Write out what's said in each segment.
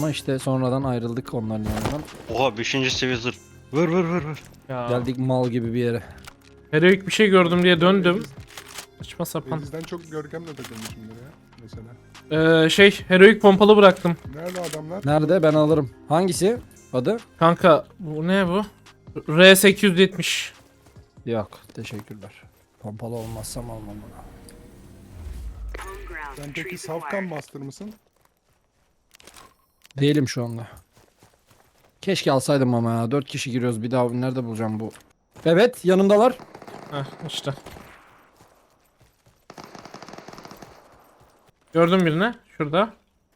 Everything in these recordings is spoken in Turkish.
ama işte sonradan ayrıldık onların yanından. Oha 5. seviye zırh. Vur. Ya. Geldik mal gibi bir yere. Heroik bir şey gördüm diye döndüm. Saçma sapan. Denizden çok Görkem'le takılmışımdır ya mesela. Heroik pompalı bıraktım. Nerede adamlar? Nerede? Ben alırım. Hangisi? Adı? Kanka bu ne bu? R870. Yok. Teşekkürler. Pompalı olmazsam almam bunu. Sen peki Safkan Master mısın? Değilim şu anda. Keşke alsaydım ama ya. 4 kişi giriyoruz. Bir daha nerede bulacağım bu? Evet. Yanındalar. Heh işte. Gördüm birini. Şurada.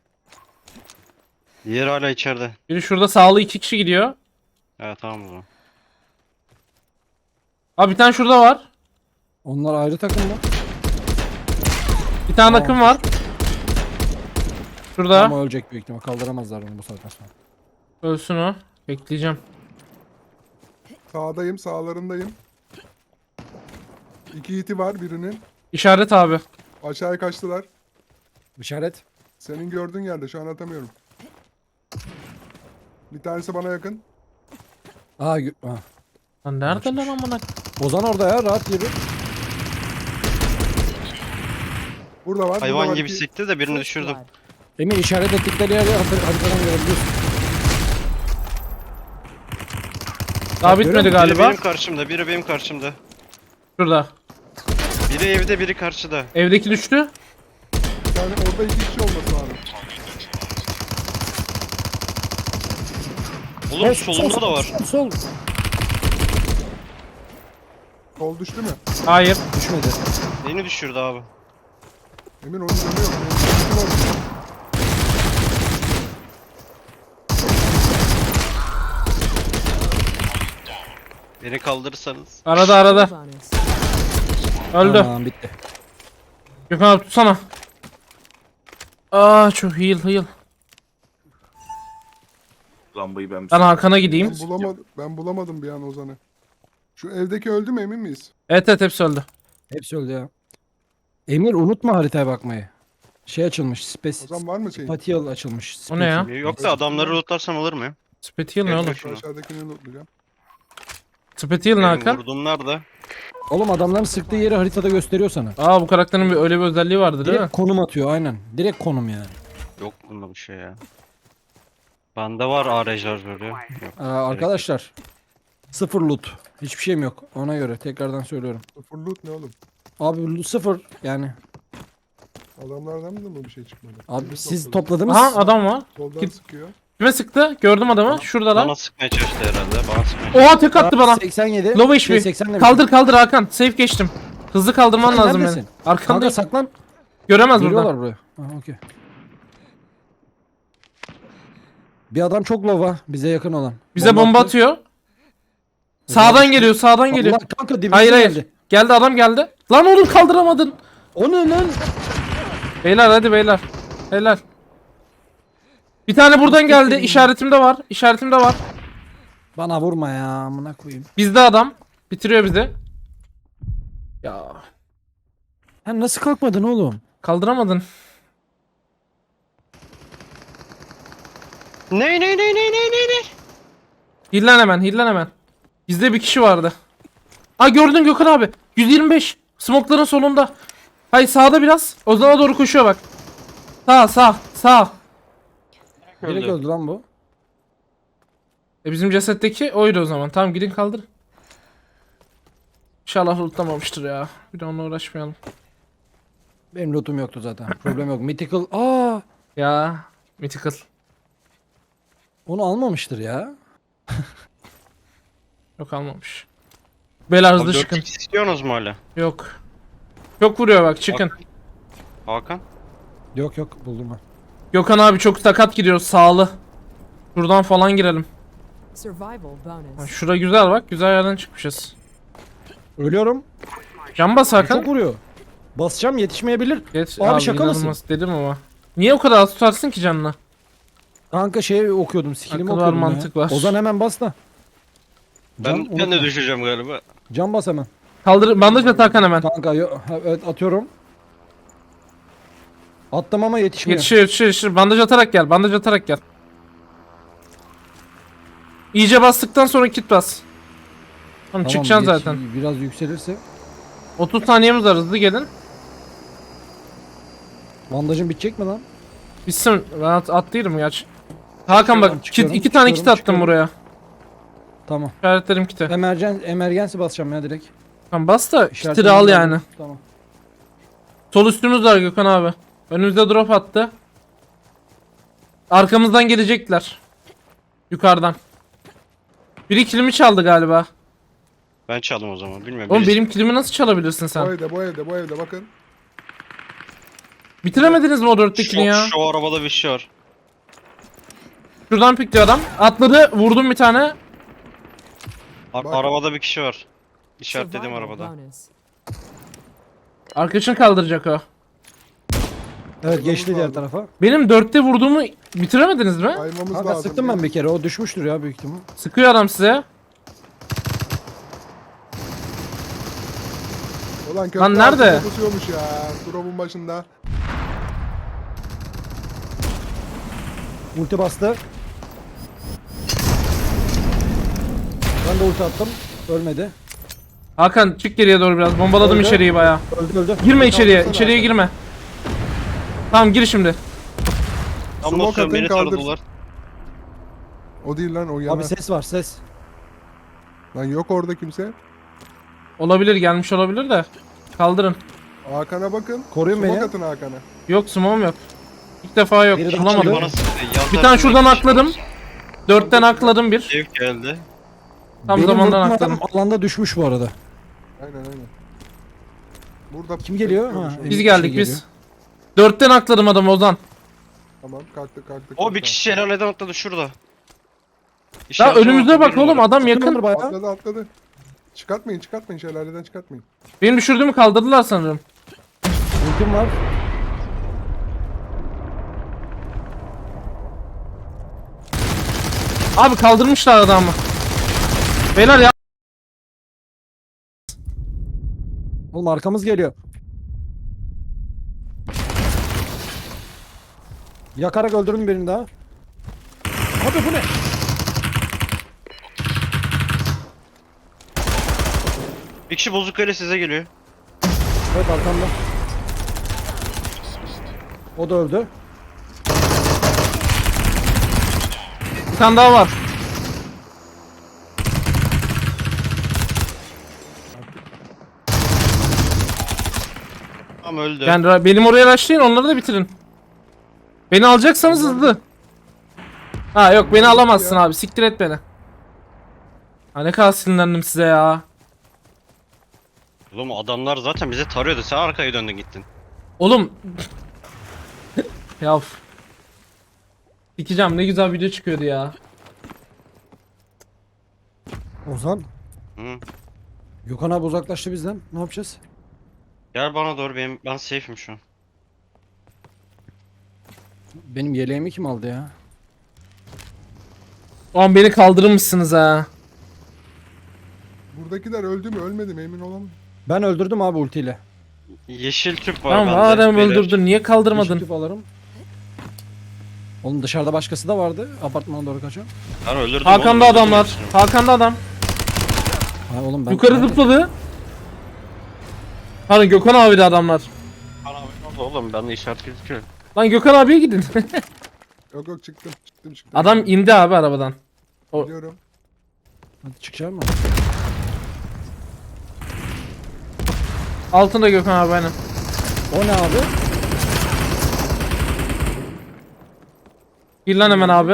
Diğer hala içeride. Biri şurada sağlı 2 kişi gidiyor. Evet tamam o zaman. Abi bir tane şurada var. Onlar ayrı takım mı? Bir tane Tamam. akım var. Şurada. Ama ölecek büyük ihtimal. Kaldıramazlar onu bu saatten sonra. Ölsün o. Bekleyeceğim. Sağdayım, sağlarındayım. 2 hiti var birinin. İşaret abi. Aşağıya kaçtılar. İşaret. Senin gördüğün yerde şu an atamıyorum. Bir tanesi bana yakın. Aa, Lan nerede lan amına? Ozan orada ya. Rahat gibi. Burada var. Hayvan burada var gibi iki- sikti de birini düşürdüm. Emir işaret ettikleri yeri haritadan görebiliyorsun. Daha Bak, bitmedi Biri galiba. benim karşımda, biri benim karşımda. Şurada. Biri evde, biri karşıda. Evdeki düştü. Bir tane orada 2 kişi olması lazım. Oğlum solunda da var. Sol. Sol düştü mü? Hayır. Düşmedi. Beni düşürdü abi. Emin onun canı yok. Benim canım var. Beni kaldırırsanız. Arada. Öldü. Tamam bitti. Gökhan abi tutsana. Aa çok heal. Lambayı ben Ben Hakan'a gideyim. Ben bulamadım bir an Ozan'ı. Şu evdeki öldü mü emin miyiz? Evet hepsi öldü. Hepsi öldü ya. Emir unutma haritaya bakmayı. Şey açılmış. Ozan var mı şeyin? Spatial açılmış. O ne ya? Yok da adamları lootlarsam alır mı? Spetial ne oğlum? Şunu. Aşağıdakini lootlayacağım. Spetial ne Benim Hakan? vurduğum nerede? Oğlum adamların sıktığı yeri haritada gösteriyor sana. Aa bu karakterin öyle bir özelliği vardı değil mi? Direkt konum atıyor aynen. Direkt konum yani. Yok bunda bir şey ya. Bende var AR şarjörü. Yok. Arkadaşlar. Sıfır loot. Hiçbir şeyim yok. Ona göre tekrardan söylüyorum. Sıfır loot ne oğlum? Abi sıfır yani. Adamlardan mı bir şey çıkmadı? Abi Biz siz topladık. topladınız. Aha adam var. Soldan Git. sıkıyor. Kime sıktı? Gördüm adamı. Şuradalar. Bana sıkmaya çalıştı herhalde. Bana sıkmaya çalıştı. Oha tek attı bana. 87. Low HP. 80 demiş. Kaldır Hakan. Safe geçtim. Hızlı kaldırman Sen lazım beni. neredesin? Kanka Arkandayım. saklan. Göremez buradan. Geliyorlar buraya. Aha okey. Bir adam çok lova bize yakın olan. Bize bomba attı. atıyor. Sağdan geliyor. Sağdan geliyor. Allah kanka dibimize Hayır. geldi. Geldi adam geldi. Lan oğlum kaldıramadın. O ne lan? Beyler hadi beyler. Helal. Bir tane buradan geldi. İşaretimde var. Bana vurma ya amına koyayım. Bizde adam. Bitiriyor bizi. Ya Sen nasıl kalkmadın oğlum? kaldıramadın. Ne? Hillen hemen. Bizde bir kişi vardı. Aa gördün Gökhan abi. 125. Smokların solunda. Hayır sağda biraz. Ozan'a doğru koşuyor bak. Sağ. Direkt öldü lan bu. Bizim cesetteki oydu o zaman. Tamam gidin kaldır. İnşallah lootlamamıştır ya. Bir de onunla uğraşmayalım. Benim lootum yoktu zaten. Problem yok. Mythical. Aa, Ya. Mythical. onu almamıştır ya. Yok almamış. Beyler hızlı Abi çıkın. 4x istiyorsunuz mu hala? Yok. Çok vuruyor bak çıkın. Hakan? Yok buldum ben. Gökhan abi çok sakat gidiyoruz sağlı. Şuradan falan girelim. Survival Ha, bonus. şura güzel bak. Güzel yerden çıkmışız. Ölüyorum. Can bas Hakan. Çok vuruyor. Basacağım yetişmeyebilir. Geç. Abi şaka mısın? inanılmaz dedim ama. Niye o kadar az tutarsın ki canını? Kanka şey okuyordum. Skillimi Akıl var, okuyordum mantık ya. var. Ozan hemen bas da. Ben de unutma. düşeceğim galiba. Can bas hemen. Kaldır bandaj at Hakan hemen. Kanka evet atıyorum. Attım ama yetişmiyor. Yetişir. Bandaj atarak gel. İyice bastıktan sonra kit bas. Tamam, çıkacaksın geç- zaten. Biraz yükselirse. 30 saniyemiz var, hızlı gelin. Bandajın bitecek mi lan? Bitsin, ben atlayırım gerçi. Hakan bak, Çıkıyorum, iki tane kit çıkıyorum, attım çıkıyorum. buraya. Tamam. İşaretlerim kiti. Emergency basacağım ya direkt. Tamam bas da İşaretlerim kitleri al geldi. yani. Tamam. Sol üstümüz var Gökhan abi. Önümüzde drop attı. Arkamızdan gelecekler. Yukarıdan. Biri kilimi çaldı galiba. Ben çaldım o zaman. Bilmiyorum. Oğlum birisi- benim kilimi nasıl çalabilirsin Bu sen? evde, bu evde, bu evde bakın. Bitiremediniz mi o dörttekini ya? Şu arabada bir şey var. Şuradan pikliyor adam. Atladı, vurdum bir tane. Bak. Arabada bir kişi var. İşaretledim Survival arabada. bonus. Arkadaşını kaldıracak o. Evet geçti diğer lazım. tarafa. Benim dörtte vurduğumu bitiremediniz mi? Kaymamız Kanka lazım. sıktım ben bir kere. O düşmüştür ya büyük ihtimal. Sıkıyor adam size. Ulan köprü Lan nerede? altında pusuyormuş ya. Drop'un başında. Ulti bastı. Ben de ulti attım. Ölmedi. Hakan çık geriye doğru biraz. Bombaladım Öldü. içeriği bayağı. Öldü. Girme içeriye. Kaldırsana İçeriye Hakan. girme. Tamam gir şimdi. Tam Smoke basıyorum, atın, beni kaldır. taradılar. O değil lan, o yana. Abi ses var ses. Lan yok orada kimse. Olabilir, gelmiş olabilir de. Kaldırın. Hakan'a bakın. Koruyun Smoke beni. atın Hakan'a. Yok smoke'um yok. İlk defa yok. Biri de Bulamadım. Bana sıktı. Yan Bir tane tarafından şuradan bir kişi akladım. var. Dörtten akladım bir. Ev geldi. Tam Benim zamandan vurduğum akladım. adam alanda düşmüş bu arada. Aynen aynen. Burada Kim geliyor? bekliyormuş Ha, onu. Biz Bir geldik şey biz. Dörtten akladım adamı Ozan. Tamam kalktık kalktık. O bir kalktık. kişi şelaleden atladı şurada. Ya İşaretime önümüze bak bir oğlum, numara. adam yakın. Yakın. Bayağı. Atladı atladı. Çıkartmayın çıkartmayın, şelaleden çıkartmayın. Benim düşürdüğümü kaldırdılar sanırım. Ultim var. Abi kaldırmışlar adamı. Beyler ya. Oğlum arkamız geliyor. Yakarak öldürdüm birini daha. Abi bu ne? Bir kişi bozuk öyle size geliyor. Evet arkamda. O da öldü. Bir tane daha var. Tam öldü. Yani benim oraya başlayın, onları da bitirin. Beni alacaksanız hızlı. Ha yok, beni alamazsın abi, siktir et beni. Ha ne kadar sinirlendim size ya. Oğlum adamlar zaten bize tarıyordu. Sen arkaya döndün gittin. Oğlum. Yav. Sikeceğim, ne güzel video çıkıyordu ya. Ozan. Hı. Gökhan abi uzaklaştı bizden. Ne yapacağız? Gel bana doğru, ben safe'im şu an. Benim yeleğimi kim aldı ya? Oğlum beni kaldırmışsınız ha. Buradakiler öldü mü ölmedi mi emin olamam. Ben öldürdüm abi ultiyle. Yeşil tüp var Tamam bende. madem beyler. öldürdün, niye kaldırmadın? Yeşil tüp alırım. Oğlum dışarıda başkası da vardı. Apartmana doğru kaçan. Ben öldürdüm Hakan'da oğlum, öldürdüm adamlar. hepsini. Hakan'da adam. Ha oğlum ben... Yukarı zıpladı. Hani Gökhan abi de adamlar. Bana abi ne oldu oğlum, bende işaret gözüküyor. Lan Gökhan abiye gidin. Yok yok çıktım çıktım. Adam indi abi arabadan. o- Gidiyorum. Hadi çıkacağım mı? Altında Gökhan abi aynen. O ne abi? Gir lan hemen abi.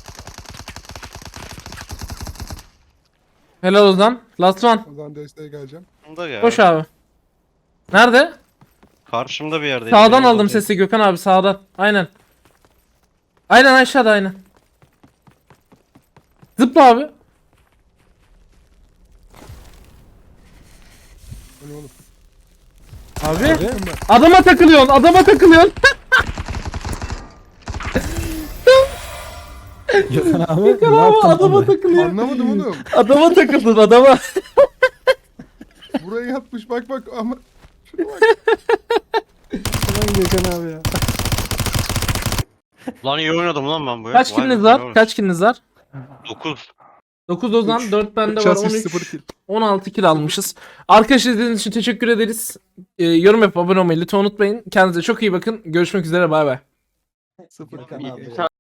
Helal Ozan. Last one. O zaman desteğe geleceğim. Bunda ya. Koş abi. Nerede? Karşımda bir yerdeydi. Sağdan benim aldım odadayım. sesi Gökhan abi, sağdan. Aynen. Aynen aşağıda aynen. Zıpla abi. Hani oğlum. Abi. Abi. Adama takılıyorsun, adama takılıyorsun. Gökhan abi. Gökhan ne abi yaptın adama abi? takılıyor. Anlamadım oğlum. Adama takıldın adama. Buraya yatmış bak bak ama. Şuna bak. Lan Gökhan abi ya. Lan iyi oynadım lan ben bu ya. Kaç Vay be, kiliniz ne var? olmuş? Kaç kiliniz var? 9. 9 Ozan, Üç- 4 bende üç var, asist, 13. 0 kill. 16 kill almışız. Arkadaşlar izlediğiniz için teşekkür ederiz. Yorum yapıp abone olmayı lütfen unutmayın. Kendinize çok iyi bakın. Görüşmek üzere, bay bay. 0 Kanal. kill.